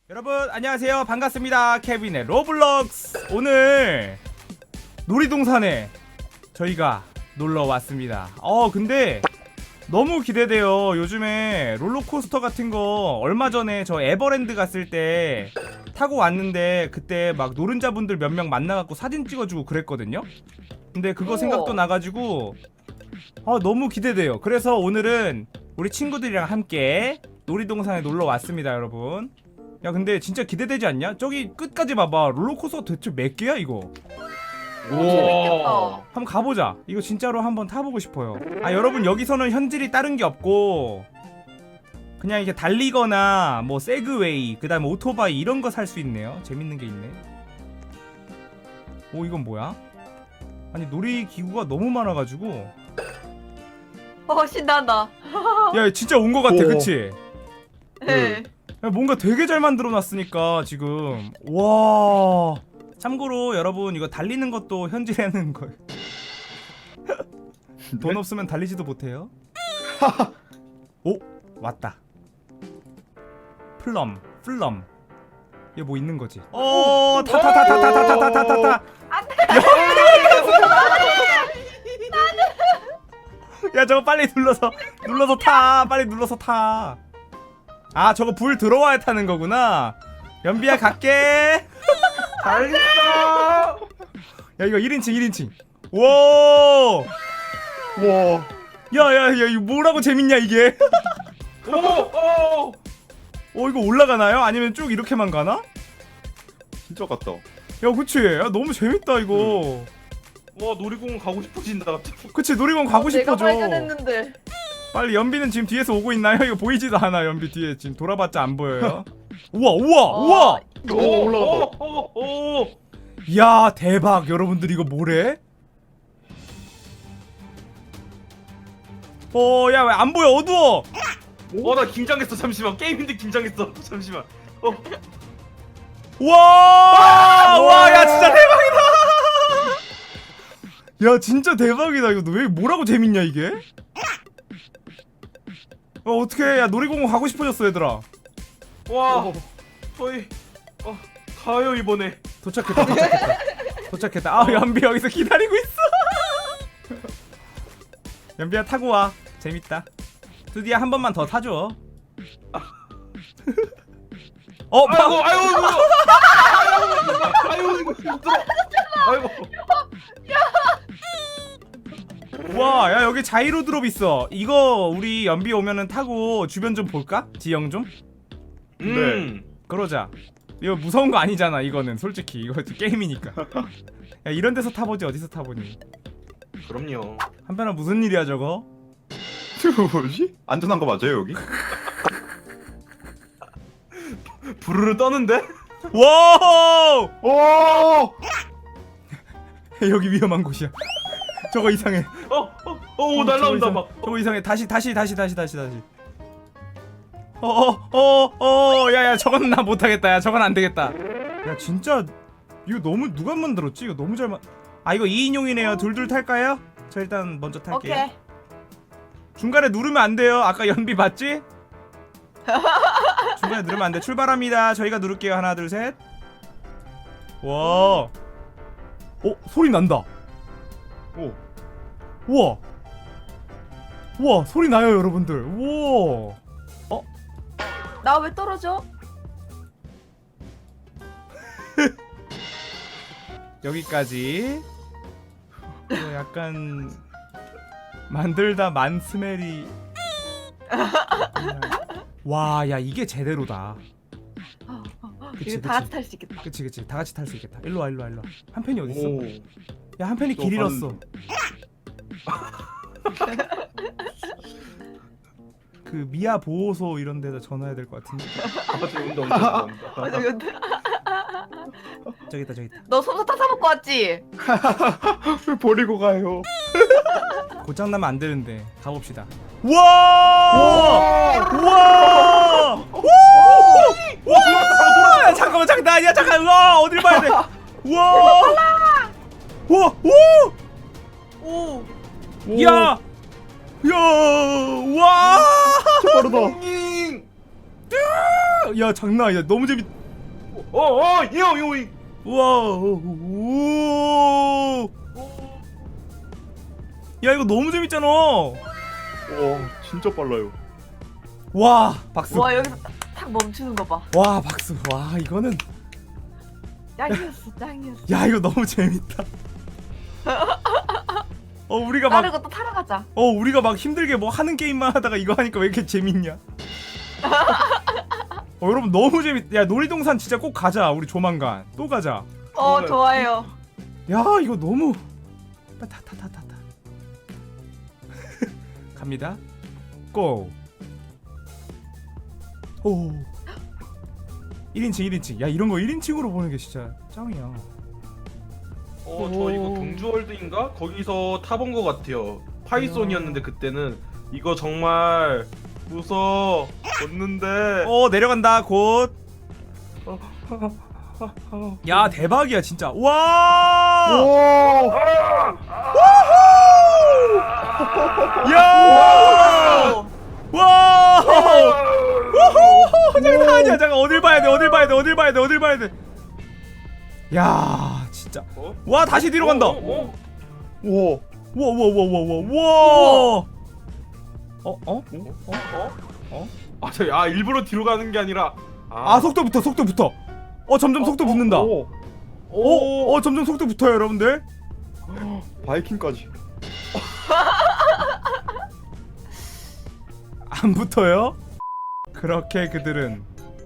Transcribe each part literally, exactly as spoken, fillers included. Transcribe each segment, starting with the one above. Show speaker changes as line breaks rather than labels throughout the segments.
여러분 안녕하세요, 반갑습니다. 케빈의 로블록스. 오늘 놀이동산에 저희가 놀러 왔습니다. 어 근데 너무 기대돼요. 요즘에 롤러코스터 같은 거 얼마 전에 저 에버랜드 갔을 때 타고 왔는데 그때 막 노른자분들 몇 명 만나갖고 사진 찍어주고 그랬거든요. 근데 그거 생각도 나가지고 아 너무 기대돼요. 그래서 오늘은 우리 친구들이랑 함께 놀이동산에 놀러 왔습니다, 여러분. 야 근데 진짜 기대되지 않냐? 저기 끝까지 봐봐. 롤러코스터 대체 몇 개야 이거?
재밌겠다.
한번 가보자. 이거 진짜로 한번 타보고 싶어요. 아 여러분, 여기서는 현질이 다른 게 없고 그냥 이렇게 달리거나 뭐 세그웨이, 그 다음에 오토바이 이런 거 살 수 있네요. 재밌는 게 있네. 오 이건 뭐야? 아니 놀이기구가 너무 많아가지고
어 신난다.
야 진짜 온 거 같아.
오.
그치?
네.
야, 뭔가 되게 잘 만들어 놨으니까 지금. 와 참고로 여러분, 이거 달리는 것도 현질하는 거예요. 돈 없으면 달리지도 못해요. 오 왔다. 플럼 플럼. 얘 뭐 있는 거지? 어 타 타 타 타 타 타 타 타 타 타. 야 저거 빨리 눌러서 눌러서 타. 빨리 눌러서 타. 아 저거 불 들어와야 타는 거구나. 연비야 갈게.
달렸어.
야 이거 일 인칭 일 인칭. 와.
와.
야야야 이거 뭐라고 재밌냐 이게.
오, 오.
어 이거 올라가나요? 아니면 쭉 이렇게만 가나?
진짜 같다.
야 그치. 야 너무 재밌다 이거.
와, 놀이공원 가고 싶어진다 갑자기.
그치, 놀이공원 가고
내가
싶어져.
발견했는데.
빨리. 연비는 지금 뒤에서 오고 있나요? 이거 보이지도 않아. 연비 뒤에 지금 돌아봤자 안 보여요. 우와 우와 우와.
오, 올라갔다. 오, 오, 오.
야 대박. 여러분들 이거 뭐래? 어 야 왜 안 보여? 어두워.
와, 나 긴장했어. 잠시만. 게임인데 긴장했어. 잠시만. 어.
와! 와, 야 진짜 대박이다. 야 진짜 대박이다. 이거 왜 뭐라고 재밌냐 이게? 어 어떡해. 야 놀이공원 가고 싶어졌어 얘들아.
와. 저희 어, 가요 이번에.
도착했다. 도착했다. 도착했다. 아 연비 여기서 기다리고 있어. 연비야 타고 와. 재밌다. 드디어 한 번만 더 타줘. 어, 파...
아이고, 아이고. 아이고, 이거 힘들어. 아이고.
와, 야 여기 자이로 드롭 있어. 이거 우리 연비 오면은 타고 주변 좀 볼까? 지형 좀?
음.
그러자. 이거 무서운 거 아니잖아. 이거는 솔직히 이거 게임이니까. 야 이런 데서 타보지 어디서 타보니.
그럼요.
한편아 무슨 일이야 저거?
저거 뭐지? 안전한 거 맞아요 여기?
부르르 떠는데?
와!
오!
여기 위험한 곳이야. 저거 이상해.
어, 어, 어,
어,
날라온다
저거
막.
이상, 저거 이상해. 다시 다시 다시 다시 다시 다시. 어어어어 야야 저건 나 못하겠다. 야 저건 안 되겠다. 야 진짜 이거 너무 누가 만들었지? 이거 너무 잘 만. 아 이거 이 인용이네요. 둘둘 탈까요? 저 일단 먼저 탈게요.
오케이.
중간에 누르면 안 돼요. 아까 연비 봤지? 중간에 누르면 안 돼. 출발합니다. 저희가 누를게요. 하나 둘 셋. 와. 어 소리 난다.
오.
우와. 우와 소리 나요 여러분들. 우와.
나 왜 떨어져?
여기까지. 이거 약간 만들다 만스멜이. 와, 야 이게 제대로다. 그치,
이거 다 같이 탈 수 있겠다.
그치 그치 다 같이 탈 수 있겠다. 일로 와 일로 와 일로 와. 한 팬이 어디 있어?
오.
야 한 팬이
또
길
반-
잃었어. 그 미아 보호소 이런 데다 전화해야 될 것 같은데.
아, 저 온다, 온다, 온다.
어, 저기 온다.
저기 있다 저기 있다.
너 솜사탕 사 먹고 왔지?
왜 버리고 가요?
고장 나면 안 되는데 가봅시다. 우와! 우와! 우! 우와! 야, 잠깐만 잠깐 아니야 잠깐. 우와 어딜 봐야 돼? 우와! 우와! 우!
오.
야! 야! 와!
빠르다.
잉!
야 장난 아니다. 너무 재밌.
어어 이형 이형.
우와. 오. 야 이거 너무 재밌잖아.
와 진짜 빨라요.
와 박수.
와 여기서 딱, 딱 멈추는 거 봐.
와 박수. 와 이거는.
짱이었어 짱이었어.
야 이거 너무 재밌다. 어 우리가 막
빠르고 또 타러 가자.
어 우리가 막 힘들게 뭐 하는 게임만 하다가 이거 하니까 왜 이렇게 재밌냐? 어 여러분 너무 재밌. 야 놀이동산 진짜 꼭 가자. 우리 조만간 또 가자.
어 좋아요.
야 이거 너무. 타타타타타. 갑니다. 고. 오. 일 인칭 일 인칭. 야 이런 거 일 인칭으로 보는 게 진짜 짱이야.
어저 이거 경주월드인가 거기서 타본 것 같아요. 파이썬이었는데 그때는 이거 정말 무서웠는데.
어 내려간다 곧. 야 대박이야 진짜. 와.
오.
야.
오.
와. 우후. 장난 아니야. 잠깐 어딜 봐야 돼? 어딜 봐야 돼? 어딜 봐야 돼? 어딜 봐야 돼? 야 진짜.
어?
와 다시 뒤로 간다.
어, 어, 어.
와.
와와와와와와. 어 어?
어? 어? 아, 저, 아 일부러 뒤로 가는 게 아니라.
아 속도 붙어 속도 붙어. 어 점점 속도 붙는다.
오.
어, 어 점점 속도 붙어요 여러분들.
바이킹까지.
안 붙어요? 그렇게 그들은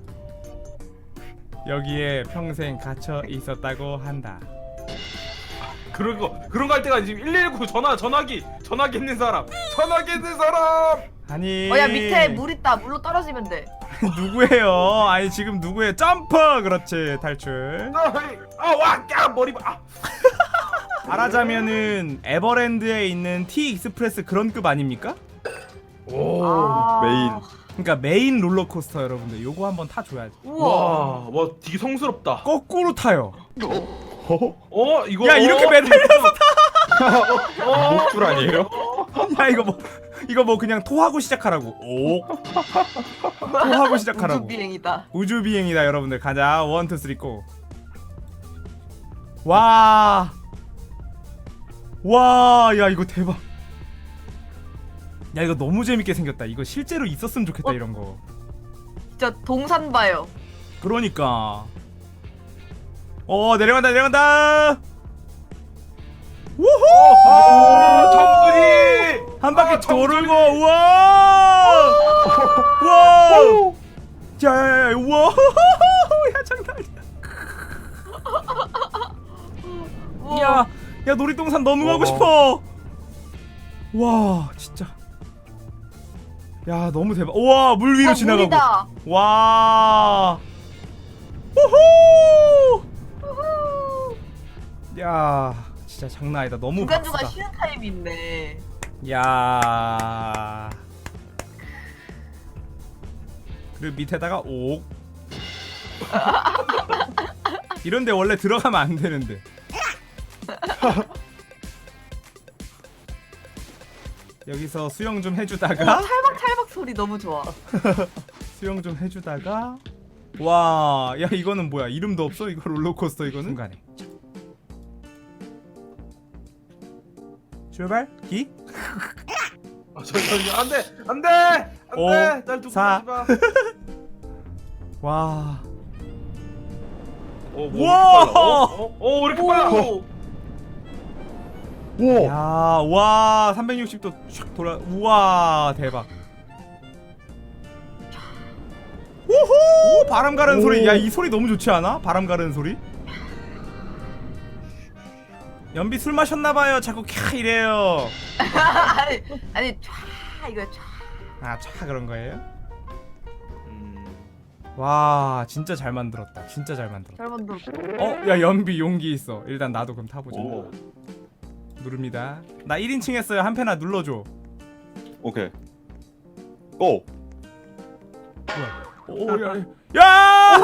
여기에 평생 갇혀 있었다고 한다.
그런 거 그런 거 할 때가 지금 일일구 전화 전화기 전화기 있는 사람 전화기 있는 사람.
아니.
어야 밑에 물 있다. 물로 떨어지면 돼.
누구예요? 아니 지금 누구예요? 점프! 그렇지 탈출.
아와 야 머리 봐. 아.
말하자면은 에버랜드에 있는 T 익스프레스 그런 급 아닙니까?
오.
아.
메인.
그러니까 메인 롤러코스터 여러분들 요거 한번 타줘야지.
우와.
와, 와 되게 성스럽다.
거꾸로 타요.
어?
어 이거.
야 이렇게
어,
매달려서
어,
목줄 아니에요?
타. 야 이거 뭐 이거 뭐 그냥 토하고 시작하라고. 오. 토하고 시작하라고.
우주 비행이다.
우주 비행이다 여러분들. 가자. 원, 투, 쓰리, 고. 와. 와, 야 이거 대박. 야 이거 너무 재밌게 생겼다. 이거 실제로 있었으면 좋겠다
어?
이런 거.
진짜 동산 봐요.
그러니까. 어 내려간다 내려간다. 우후.
아, 정수리.
한 바퀴
아, 정수리.
돌고 우와. 우와. 야야야 우와. 야 장난 아니야.
우와.
야, 야 놀이동산 너무 가고
어.
싶어. 와, 진짜. 야, 너무 대박. 와, 물 위로
와,
지나가고.
물이다.
와. 우후!
우후.
야, 진짜 장난 아니다. 너무
중간중간
박수다.
쉬는 타임이 있네.
야. 그리고 밑에다가 옥. 이런데 원래 들어가면 안 되는데. 여기서 수영 좀
어,
해주다가
찰박찰박 소리 너무 좋아.
수영 좀 해주다가 와, 야 이거는 뭐야? 이름도 없어? 이거 롤러코스터 이거는? 중간에 출발 기
아, 저, 저, 안 돼, 안 돼, 안
오,
돼, 날 두고
사.
가지 마.
와.
어, 뭐
우와!
이렇게 빨라? 어, 어, 어, 왜 이렇게 빨라?
오.
와.
야, 와, 삼백육십 도 촥 돌아. 우와, 대박. 우후! 바람 가르는
오.
소리. 야, 이 소리 너무 좋지 않아? 바람 가르는 소리. 연비 술 마셨나 봐요. 자꾸 캬 이래요.
아니, 아니 촤 이거 촤.
아, 차 그런 거예요?
음,
와, 진짜 잘 만들었다. 진짜 잘 만들었다.
잘 만들었어.
어, 야, 연비 용기 있어. 일단 나도 그럼 타보자.
오.
누릅니다. 나 일 인칭 했어요. 한 패나 눌러줘.
오케이. 고.
오, 야, 야!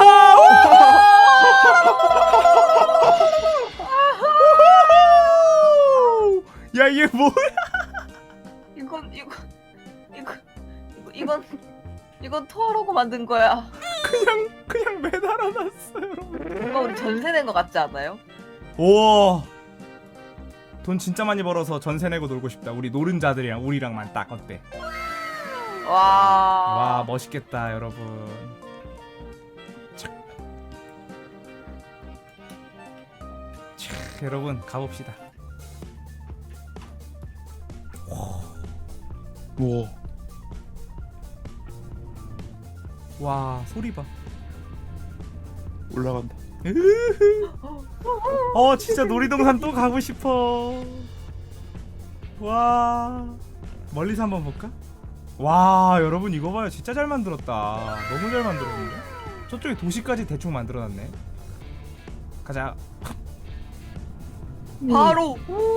우후! 야, 이게 뭐야?
이건 이거 이거 이거 이건 이건 토하라고 만든 거야.
그냥 살아났어 여러분.
뭔가 우리 전세 낸 거 같지 않아요?
우와 돈 진짜 많이 벌어서 전세 내고 놀고 싶다. 우리 노른자들이랑 우리랑만 딱 어때?
와.
와 멋있겠다 여러분. 촥. 촥, 여러분 가봅시다.
우와.
와 소리 봐.
올라간다.
어 진짜 놀이동산 또 가고 싶어. 와 멀리서 한번 볼까? 와 여러분 이거 봐요. 진짜 잘 만들었다. 너무 잘 만들었는데? 저쪽에 도시까지 대충 만들어놨네. 가자.
바로.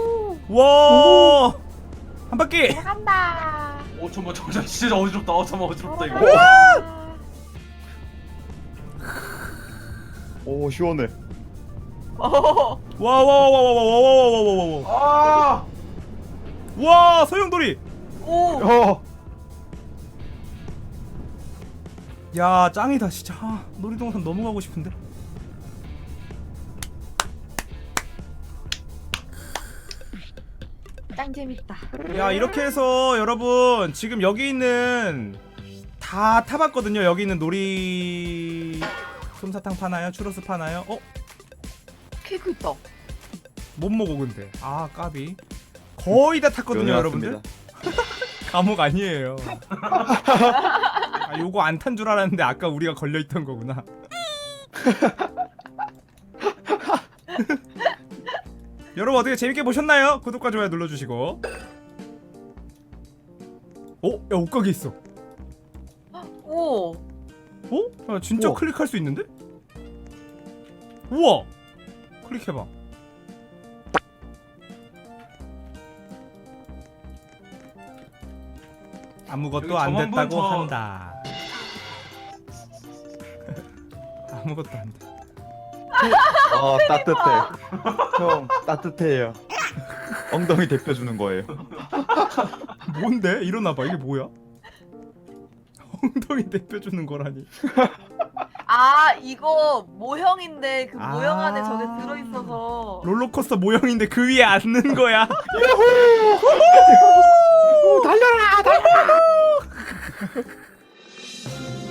와! 한 바퀴!
간다.
어 잠깐만 잠깐만 진짜 어지럽다. 어 잠깐만 어지럽다 이거.
오 시원해.
어.
와, 와, 와, 와, 와, 와, 와, 와, 와, 와, 와.
아
와, 소용돌이!
오.
어.
야, 짱이다, 진짜. 아, 놀이동산 너무 가고 싶은데?
짱 재밌다.
야, 이렇게 해서 여러분, 지금 여기 있는 다 타봤거든요. 여기 있는 놀이... 솜사탕 파나요? 추러스 파나요? 어?
케이크 있다.
못 먹어, 근데. 아, 까비. 거의 다 탔거든요, 여러분들.
면허왔습니다.
감옥 아니에요. 아, 요거 안 탄 줄 알았는데 아까 우리가 걸려있던 거구나. 여러분 어떻게 재밌게 보셨나요? 구독과 좋아요 눌러주시고. 어? 야 옷가게 있어.
오.
어? 야 진짜
우와.
클릭할 수 있는데? 우와! 클릭해봐. 아무것도
여기
안
저만
됐다고
본 저-
한다. 아무것도 안 돼.
아 따뜻해. 형 따뜻해요. 엉덩이 대표주는 거예요.
뭔데? 일어나봐. 이게 뭐야? 엉덩이 대표주는 거라니.
아 이거 모형인데 그
아.
모형 안에 저게 들어 있어서.
롤러코스터 모형인데 그 위에 앉는 거야.
달려라 달려라.